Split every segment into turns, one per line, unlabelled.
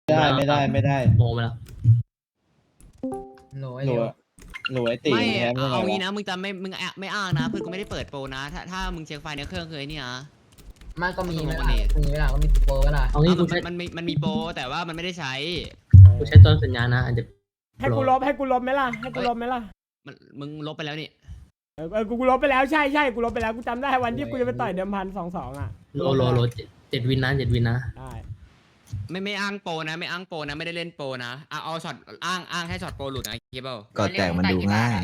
ไม่ได้
โมมาแล้ว
โหลไอ้
หนู
เดียว
หนูไอตี
ไม่
แคมป์ยังไง
เอางี้
วะ
นะมึงจะไม่อ้างนะเพื่อนกูไม่ได้เปิดโปรนะถ้ามึงเช็คไฟล์ในเครื่องคือไอ้นี่นะ
มันก็มี
ก็
ไหม
ต้อง
ล่ะ
ลงมาดิ
มีเวลาก็มีโปรเวลา
เอางี้กู
มัน
ใช้
มันมีโปรแต่ว่ามันไม่ได้ใช้
กูใช้ต้นสัญญานะอาจจะ
ให้กูลบไหมล่ะให้กูลบไหมล่ะ
มึงลบไปแล้วนี่
กูลบไปแล้วใช่กูลบไปแล้วกูจำได้วันที่กูจะไปต่อยเดิมพัน2-2อ่ะ
โล7 วินนะ7 วินนะ
ได้
ไม่อ้างโปรนะไม่อ้างโปรนะไม่ได้เล่นโปรนะเอาช็อตอ้างแค่ช็อตโปรหลุดนะคิดเปล่า
ก่อนแตกมันดูง่าย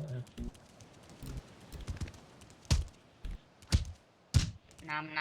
น้ำ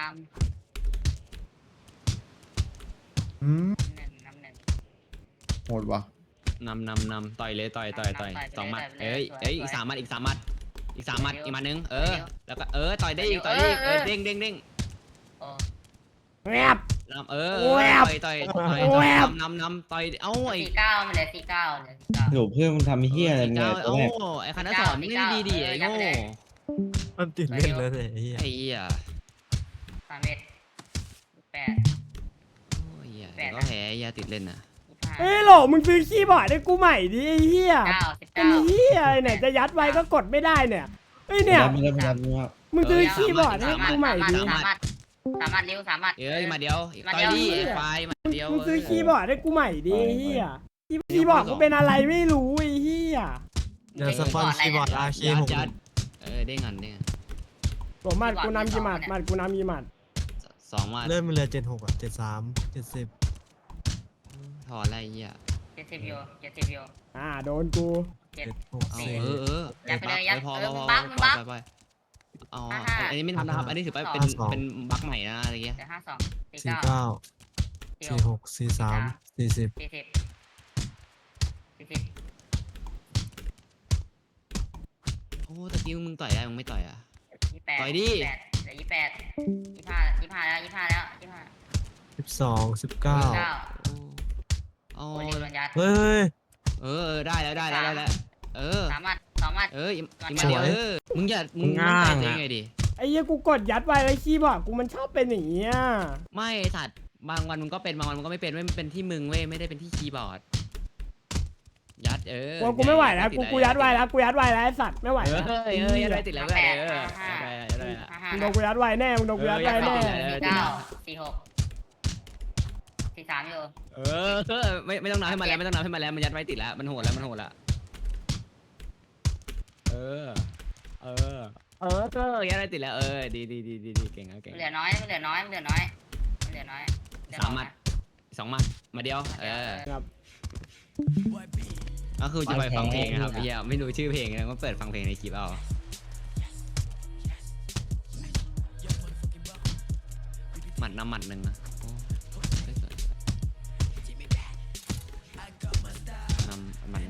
อืม
หนึ่งน้ำหนึ่ง
โหดว่ะ
นำต่อยเลยต่อยสองหมัดเอ้ยอีก3 มัดอีก3 มัดอีก3 มัดอีกมัดนึงแล้วก็ต่อยได้อีกเด้ง
โอ้
แงบ
นำ
แวบ
ต่อย
แวบ
นำต่อยเอ้าไอ้
49มันเหลือ49
หนูเพื่อนมึงทำเฮี้ยอะไรมึง
เก้า
เนี่ยตัว
เอ้า
แรก
ไอ้คณะสอนไม่ได้ดีไอ้โง่
มันติดเล่นเลยเนี่ยไอ้เหี้ย
ไอ้เหี้ย
3เมตร8
โอ้ยก็แพ้ไอ้เหี้ยติดเล่นนะ
เฮ้ยโหลมึงซื้อคีย์บอร์ดให้กูใหม่ดิไอ้เหี้ย
25
เป็นเหี้ยอะไรเนี่ยจะยัดไว้ก็กดไม่ได้เนี่ยเฮ้ยเนี่ย
ไม่ได้
มึงซื้อคีย์บอร์ดให้กูใหม่ดิ
3มัดเร็ว3มัด
มาเดียวต่อยดิไอ้ไฟมาเดียว
มึงซื้อคีย์บอร์ดให้กูใหม่ดิไอ้เหี้ยคีย์บอร์ดกูเป็นอะไรไม่รู้ไอ้เหี้ย
เดี๋ยวสปอนคีย์บอร์ดอาเค
ยัด
6
ได้งัน
ผมหมัดกูนำกี่หมัดกูนำกี่หมัด
2 มัด
เริ่มมันเหลือ76อ่ะ73 70
ถอดอะไรเหี้ย
70อยู่
โดนกู
76
เอา
4
ยัดไปเลยยัด
พอ
บัก
ไปอ๋ออันนี้ไม่ทำนะครับอันนี้ถือว่าเป็นบั๊กใหม่นะอะไรเงี้ย
เหลือ52 49
49 46 43 40
40
โอ้ตะกี้มึงต่อยได้มึงไม่ต่อยอ่ะ
28
ต่อยดิ
เหลือ25แล้ว
12 19
โอ้
โอ้ยโดนยัด
เฮ้ย
ได้แล้ว
3มัด2มัด
อีกมาเดียวมึงมั่นใจตัวเองไงดิ
ไอ้เหี้ยกูกดยัดไว้แล้วคีย์บอร์ดกูมันชอบเป็นอย่างเงี้ย
ไม่สัตว์บางวันมึงก็เป็นบางวันมึงก็ไม่เป็นมันเป็นที่มึงเว้ยไม่ได้เป็นที่คีย์บอร์ดยัด
กูไม่ไหวแล้วกูยัดไว้แล้วไอ้สัตว์ไม่ไหวแล้ว
ยัดได้ติดแล้วได้
มึงโดนกูยัดไว้แน่มึงโดนกูยัดไว้แน่
49 43อยู่
ไม่ต้องนับให้มันแล้วมันยัดไว้ติดแล้วมันโหดแล้วยัดได้ติดแล้วดีเก่ง
เหลือน้อย
3 มัด2 มัดมาเดียว
ครับ
ก็คือจะไปฟังเพลงนะครับพี่ไม่รู้ชื่อเพลงนะก็เปิดฟังเพลงในคลิปเอาหมัดน้ำหมัดหนึ่งนะน้ำมัน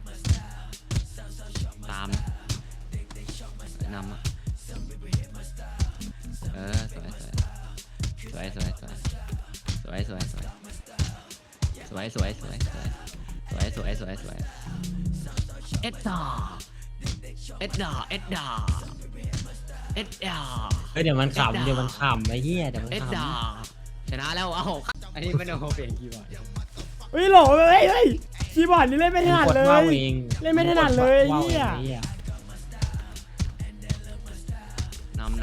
ตามน้ำสวยเอ็ดดา
เฮ้ยเดี๋ยวมันขำไอ้เหี้ยเดี๋ยวมัน
เอ็ด
ข
ดาชนะแล้วเอาอันนี้ไม่ต้องเปลี่ยนคีย์บอร์ด
เฮ้ยโหลเฮ้ยคีย์บอร์ดนี่เล่นไม่ถนัดเลย เล่นไม่ถนัดเลยเหี้ย
นำ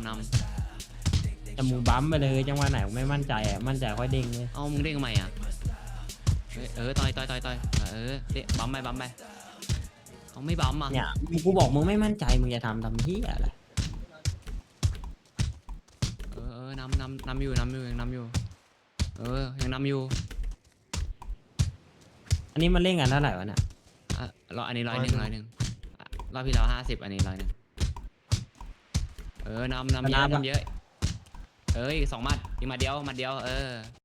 แต่มึงบั๊มไปเลยจังหวะไหนมึงไม่มั่นใจมั่นใจค่อยเด้งเลย
เอามึงเด้งทำไมอ่ะต่อยเด้บัมไปเอาไม่บัมอ่ะ
เนี่ยกูบอกมึงไม่มั่นใจมึงจะทำเหี้ยอะไร
นำอยู่ยังนำอยู่ยังนำอยู่
อันนี้มันเล่นกันเท่าไหร่วะเนี่ย
อันนี้100รอบที่แล้ว50อันนี้100นำเยอะอีก2 มัดอีกมาเดียว